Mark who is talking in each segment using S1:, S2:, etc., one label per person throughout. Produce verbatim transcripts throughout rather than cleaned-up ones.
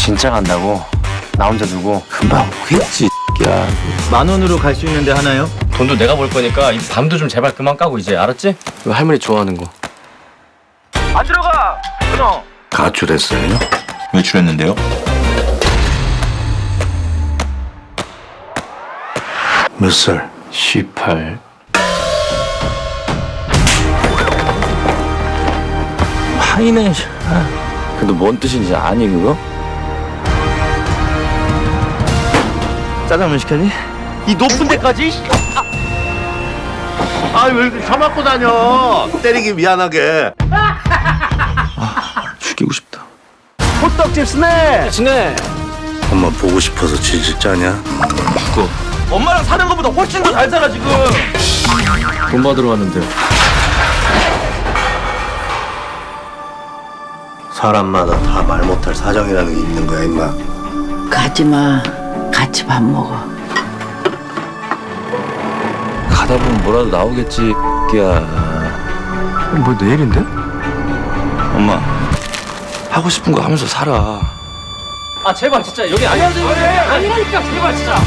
S1: 진짜 간다고? 나 혼자 두고?
S2: 금방 오겠지 야.
S3: 만 원으로 갈 수 있는데 하나요?
S1: 돈도 내가 벌 거니까 이 밤도 좀 제발 그만 까고 이제 알았지?
S2: 이거 할머니 좋아하는 거.
S1: 안 들어가! 끊어!
S2: 가출했어요?
S4: 외출했는데요?
S2: 몇 살? 십팔. 파이네. 근데 뭔 뜻인지 아니 그거?
S3: 짜장면 시켰니? 이 높은 데까지?
S5: 아 왜 이렇게 처맞고 다녀? 때리기 미안하게.
S2: 죽이고 싶다.
S3: 호떡집 스낵!
S1: 진해!
S2: 엄마 보고 싶어서 질질 짜냐?
S1: 죽어. 엄마랑 사는 것보다 훨씬 더 잘 살아 지금!
S2: 돈 받으러 왔는데. 사람마다 다 말 못할 사정이라는 게 있는 거야 임마.
S6: 가지마. 같이 밥 먹어.
S2: 가다 보면 뭐라도 나오겠지 야. 뭐 내일인데? 엄마 하고 싶은 거 하면서 살아.
S1: 아 제발 진짜 여기 아니야 아니라니까 제발 진짜!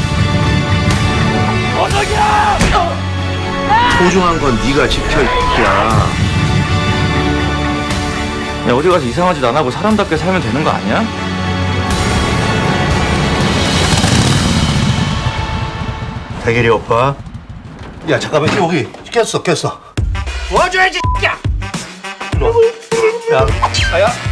S1: 어석이야!
S2: 소중한 건 네가 지켜 야.
S1: 야 어디 가서 이상한 짓 안 하고 사람답게 살면 되는 거 아니야?
S2: 대길이 오빠.
S5: 야 잠깐만 여기 깼어 깼어.
S1: 도와줘야지 야!
S5: 야
S1: 아야